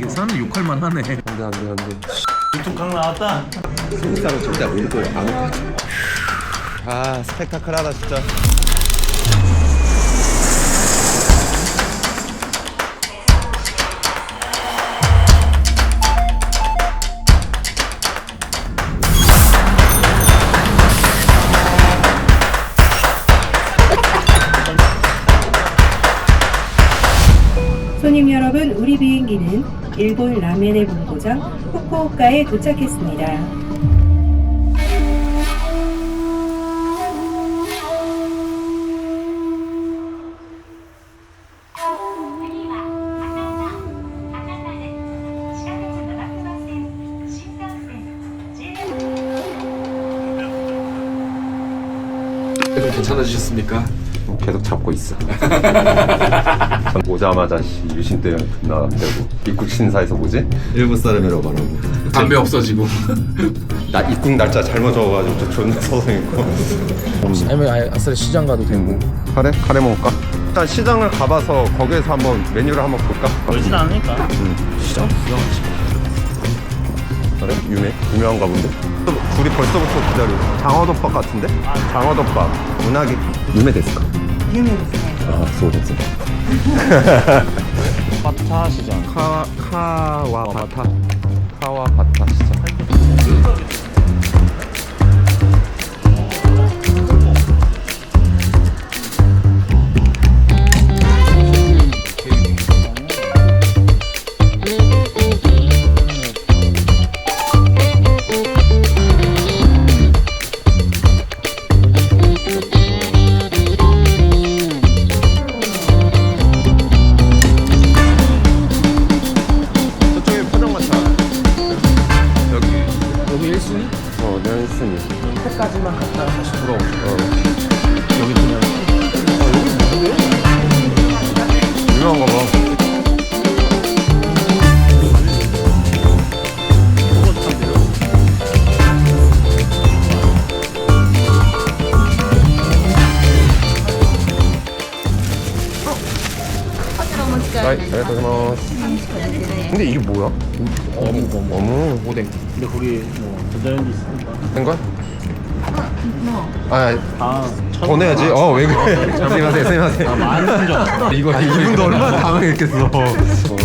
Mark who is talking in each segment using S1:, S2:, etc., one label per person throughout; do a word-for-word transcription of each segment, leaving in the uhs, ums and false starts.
S1: 이 사람들 욕할만 하네.
S2: 안돼 안돼 안돼.
S3: 유튜브 강 나왔다.
S2: 스무 살은 절대 안 믿고 안 오고. 아 스펙타클하다 진짜.
S4: 손님 여러분, 우리 비행기는 일본 라멘의 본고장 후쿠오카에 도착했습니다.
S5: 좀 괜찮아지셨습니까?
S2: 계속 잡고 있어. 전 오자마자 씨 유신 때문에 존나 되고 입국 신사에서 뭐지? 일본 사람이라고 말하고
S5: 담배 없어지고.
S2: 나 입국 날짜 잘못 적어가지고 저 존나 서성했고.
S5: 아니면 아예 아싸리 시장 가도 되고.
S2: 카레? 카레 먹을까? 일단 시장을 가봐서 거기에서 한번 메뉴를 한번 볼까?
S3: 멀진 않으니까.
S5: 시장 구경하지.
S2: 그래? 유명? 유명한가 본데? 또 둘이 벌써부터 기다리고 장어덮밥 같은데? 장어덮밥 운하기 유메 데스까? 유메 데스 아, 소 데스
S3: 바타 시장.
S2: 카, 카와바타 카와바타 시장. 어, nel슨이
S5: 끝까지만 갔다가 다시 돌아오고.
S2: 어.
S5: 여기 그냥. 아 여기 뭔데?
S2: 유명한가 봐. 아이, 알겠습니다. 근데 이게 뭐야?
S5: 어묵 어묵.
S2: 어묵
S5: 오뎅.
S3: 근데 거기 뭐 전자레인지 있으니까.
S2: 된 거야? 아,
S3: 아, 천.
S2: 더 내야지. 어, 왜 그래? 스미마세, 스미마세.
S3: 아, 많이 쓴 줄 알았어.
S2: 이거 이분도 얼마나 당황했겠어. 어.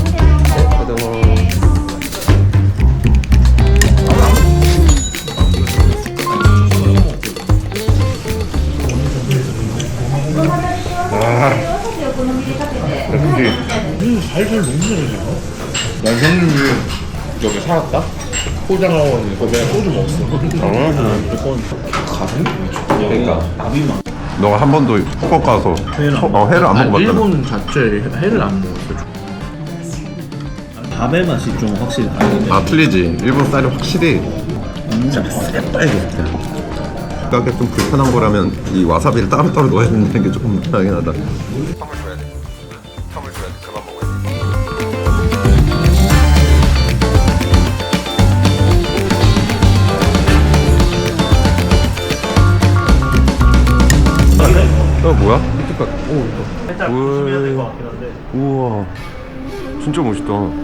S5: 살살 너무 잘해요. 난 형님이 여기 살았다? 포장하고 있는 거 그냥 소주 먹었어.
S3: 무조건
S5: 가슴?
S2: 그러니까.
S3: 나비만.
S2: 너가 한 번도 후쿠오카 가서
S3: 회를 안
S2: 어, 회를 안
S5: 아니,
S2: 먹어봤잖아.
S5: 일본 자체에 회를 안 먹었어.
S3: 밥의 맛이 좀 확실히 다르네.
S2: 아, 틀리지. 일본 쌀이 확실히 진짜 새빨개 진짜. 그러니까 좀 불편한 거라면 이 와사비를 따로따로 넣어야 된다는 게 조금 불편하긴 하다. 텀을 줘야 돼. 텀을 줘야 돼. 그만 먹어야 돼. 어, 뭐야? 밑에가 오, 이거.
S3: 살짝
S2: 우와.
S3: 조심해야 될 것 같긴 한데.
S2: 우와, 진짜 멋있다.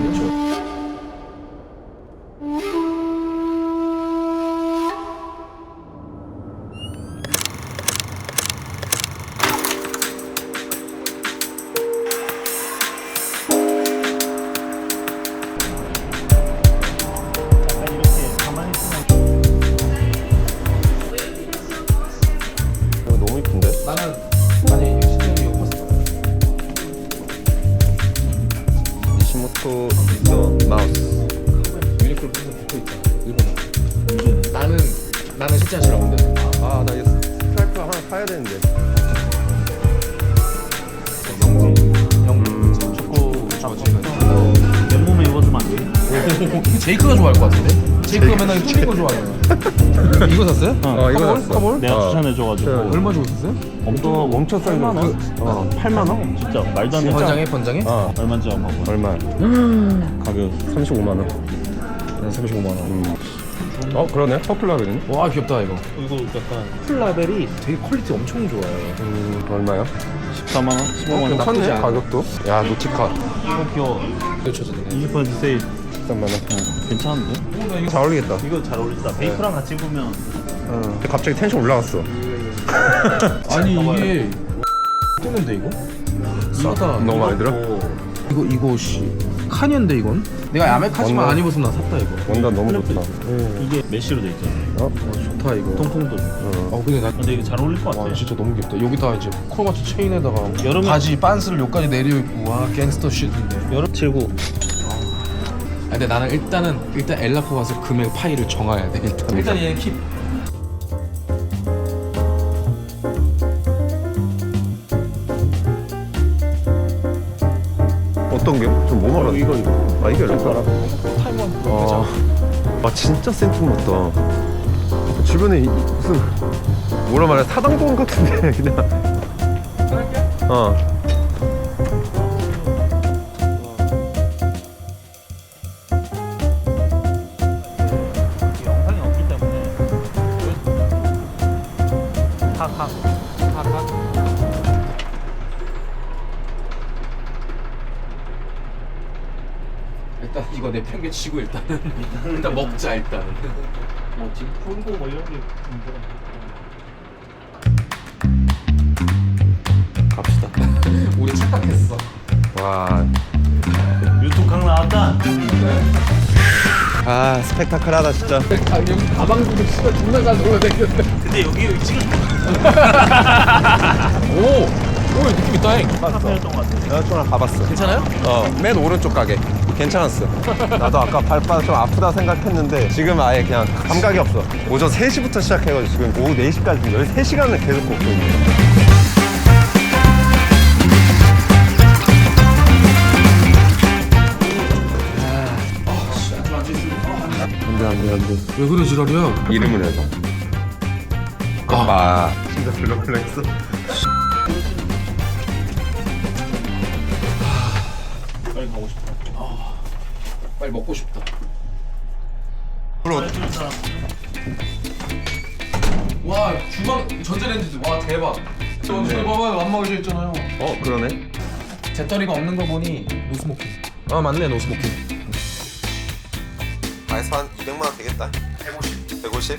S3: 약간 이렇게 가만히 있으면
S2: 이거 너무 이쁜데?
S5: 나는 아니 시장이 이거 봤어.
S2: 니시모토 더 마우스.
S5: 유니클로 항상 붙어 있다. 일본. 나는 나는 실제 싫어하는데.
S2: 아, 나 이거 스트라이프 하나 사야 되는데.
S5: 영 축구 잡지.
S3: 맨몸에 입어주면 안 돼?
S5: 제이크가 좋아할 것 같은데? 제이크가 맨날 튀긴 거 좋아해요. 이거 샀어요?
S2: 어, 이거 샀어.
S5: 커볼?
S3: 내가
S2: 어.
S3: 추천해줘가지고.
S5: 얼마 주고 샀어요?
S3: 엄청
S2: 멈춰 쌀
S3: 팔만 원?
S2: 어,
S3: 팔만 원? 진짜 말도 안 돼.
S5: 번장에 번장에?
S2: 어,
S3: 얼마인지 한번 봐봐.
S2: 얼마야?
S3: 가격.
S2: 삼십오만 원.
S5: 삼십오만 원.
S2: 음. 어 그러네. 퍼플라벨은?
S5: 와 귀엽다 이거.
S3: 이거 약간
S5: 풀라벨이 되게 퀄리티 엄청 좋아요.
S2: 음 얼마야?
S3: 십사만 원? 십오만 원?
S2: 괜찮네
S5: 않아.
S2: 가격도. 야 노티카
S3: 이거 귀여워.
S5: 그렇죠, 저는.
S3: 이십 퍼센트 세일.
S2: 십삼만 원.
S3: 괜찮은데?
S2: 잘 어울리겠다.
S3: 이거 잘 어울린다. 베이프랑 같이 입으면
S2: 어. 갑자기 텐션 올라갔어.
S5: 아니 이게 뜨는데 이거? 싸다.
S2: 너무 많이 들어?
S5: 이거 이거 씨 카니인데 이건? 내가 야매카지만
S2: 원단.
S5: 안 입었으면 나 샀다 이거.
S2: 원단 너무 좋다.
S3: 이게 메쉬로 돼 있잖아.
S2: 어?
S5: 어, 좋다 이거.
S3: 통통도.
S5: 어 근데 나
S3: 근데 이거 잘 어울릴 것 같아.
S5: 와 진짜 너무 귀엽다. 여기다 이제 크로마치 체인에다가
S3: 여름에-
S5: 바지 빤스를 여기까지 내려 입고 와 갱스터 쉿인데.
S3: 여름 칠구.
S5: 아, 근데 나는 일단은 일단 엘라코 가서 금액 파일을 정해야 돼. 일단 일단 얘 킵.
S2: 어떤 게? 좀뭐 말하는? 이거 이거. 아 이게 얼마야?
S5: 타이머
S2: 아, 아 진짜 센품 같다. 주변에 이- 무슨 뭐라 말해 사당동 같은데 그냥. 어.
S3: 영상이 없기 때문에. 탁탁.
S5: 일단 이거 내 편게 치고 일단은 일단 먹자 일단.
S3: 뭐 지금 풀고 뭐 이런 게 문제가.
S2: 갑시다.
S5: 우리 착각했어.
S2: 와.
S3: 유튜브 강 나왔다.
S2: 아 스펙타클하다 진짜.
S5: 아 여기 가방도 씨발 존나 잘 놀아다녔는데.
S3: 근데 여기 지금
S5: 오, 오 느낌 있다잉.
S3: 카페였던 것 같아.
S2: 내가 좀 가봤어.
S5: 괜찮아요?
S2: 어, 맨 오른쪽 가게. 괜찮았어. 나도 아까 발바닥 좀 아프다 생각했는데 지금 아예 그냥 감각이 없어. 오전 세 시부터 시작해가지고 지금 오후 네 시까지 열세 시간을 계속 걷고 있네. 안돼 안돼 안돼.
S5: 왜 그래 지랄이야?
S2: 이름을 해줘. 아, 진짜 블럭블럭했어.
S3: 빨리 가고 싶어.
S5: 빨리 먹고 싶다.
S2: 그럼
S3: 해주는 사람.
S5: 와 주방 전자레인지 와 대박. 저
S2: 네.
S5: 저기 봐봐요 안 먹어져 있잖아요.
S2: 어 그러네.
S5: 재떨이가 없는 거 보니 노스모킹. 아 맞네 노스모킹.
S2: 아에서 한 이백만 원 되겠다.
S5: 백오십.
S2: 백오십?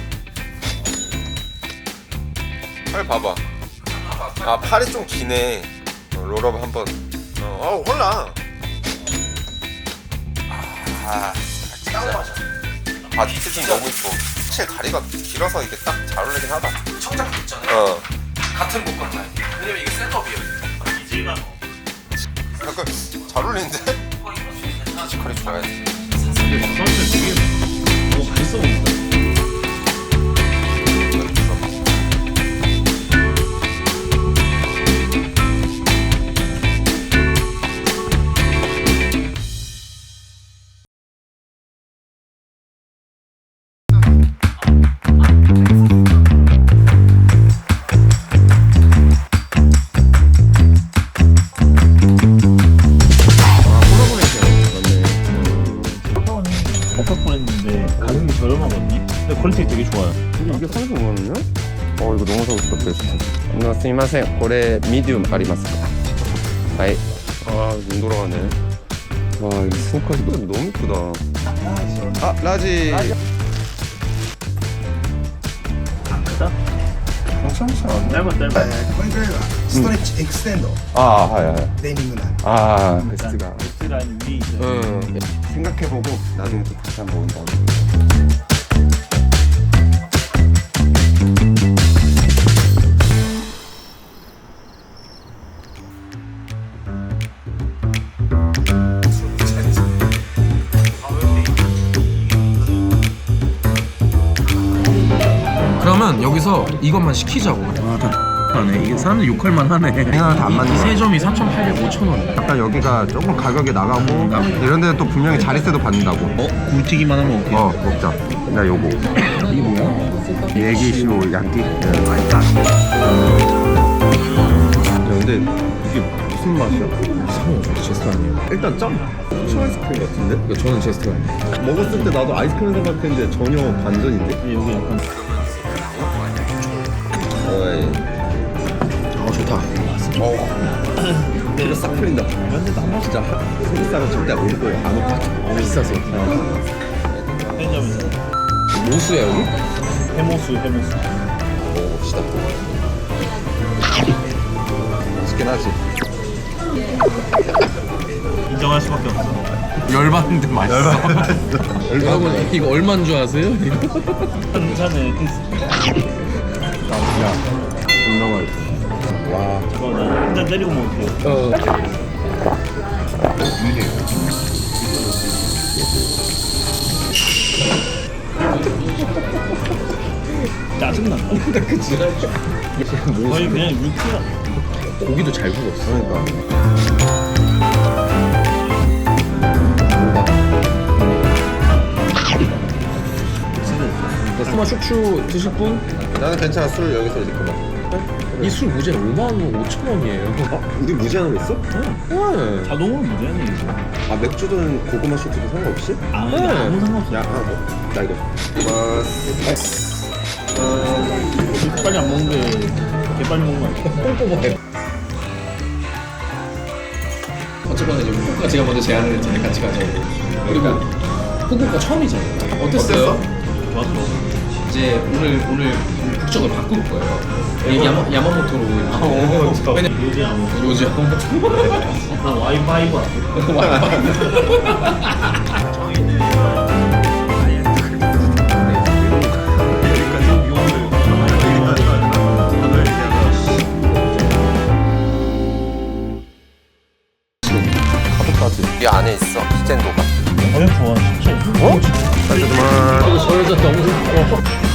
S2: 팔 봐봐. 아 팔이 좀 기네. 어, 롤업 한번. 어, 어 홀라. 아 진짜. 바디 fit 너무 이뻐. 사실 다리가 길어서 이게 딱 잘 어울리긴 하다.
S5: 청자켓 있잖아요.
S2: 어.
S5: 같은 복각 라인. 왜냐면 이게 셋업이에요.
S3: 이제가
S2: 약간 잘 어울리는데? 피지컬이 좋아야지.
S3: 선수 되게 뭐 맛있어 보인다. 버퍼 보냈는데 가격이 저렴하거든요. 근데 퀄리티 되게 좋아요.
S2: 이게 삼십오만 원이야? 어 이거 너무 사고 싶다. 베스트. 나 스미마셍. 고래 미디움 아리마스. 아이. 아눈 돌아가네. 와 이거 스니커즈 너무 이쁘다. 아 라지.
S3: 안 크다?
S2: 괜찮아.
S3: 짧아 짧아.
S1: これぐらいはストレッチエクステンド、
S2: 아 하야 하야.
S1: デニムなんで
S2: 아 베스트가.
S3: 베스트 라인 위에 있어요.
S2: 응. 생각해보고 나중에 또 다시 한번 온다.
S5: 그러면 여기서 이것만 시키자고.
S3: 하네. 이게 사람들 욕할 만하네.
S2: 생각을 안 맞네.
S5: 세 점이 삼천팔백, 오천 원.
S2: 약간 여기가 조금 가격이 나가고 이런 데는 또 분명히 자릿세도 받는다고.
S3: 어? 굴튀기만 하면 어떡해?
S2: 어 먹자. 나 요거.
S3: 이게 뭐야?
S2: 예기시로 양기. 맛있다. 근데 이게 무슨 맛이야?
S5: 저는 제스트 아니에요.
S2: 일단 점 후추 아이스크림 같은데?
S5: 그러니까 저는 제스트 아니에요.
S2: 먹었을 때 나도 아이스크림 생각했는데 전혀 반전인데?
S3: 여기 약간
S2: 어이
S5: 아 좋다.
S2: 피가 싹 풀린다. 진짜 소비살은 절대 안 올 거예요. 안 오빠.
S5: 비싸서.
S3: 편의점에서
S5: 모수야 여기?
S3: 해모수 해모수.
S2: 먹어봅시다. 맛있긴 하지.
S3: 인정할 수밖에 없어.
S5: 열받는데 맛있어. 여러분 이거 얼마인 줄 아세요? 이거?
S3: 한 잔에
S2: 존나 맛있어. 와.
S3: 저거 나한잔 때리고 먹을게요.
S5: 어.
S3: 짜증나.
S5: 그치?
S3: 거의 그냥 육수야.
S5: 고기도 잘 구웠어.
S2: 그러니까.
S5: 스마 슈추 드실 분?
S2: 나는 괜찮아. 술 여기서 이렇게 막.
S5: 이 술 무제한 오만 원 오천 원이에요.
S2: 어? 우리 무제한으로 했어?
S5: 네.
S3: 자동으로 무제한이 이거.
S2: 아 맥주든 고구마 쇼트도 상관없이?
S3: 아,
S5: 네.
S3: 이거 아무 상관없어.
S2: 야, 하나 뭐? 나 이거. 마스. 어,
S3: 빨리 안 먹는 게 개빨리 먹는 거 아니야?
S5: 꼼꼼해. 어쨌거나 이제 후쿠오카 제가 먼저 제안을 했잖아요. 같이 가자고. 그리고 후쿠오카 처음이잖아요. 어땠어요?
S3: 좋았어.
S5: 이제 오늘 오늘 국적을 바꿀 거예요. 이 야마, 야마모토로
S3: 어,
S5: 이제. 왜냐
S3: 요즘 안 먹어.
S5: 요즘
S3: 나 와이파이브 안
S2: 이 안에 있어. 스탠도가.
S3: 가격 좋아, 진짜.
S2: 어? 잠깐만.
S5: 저 여자 너무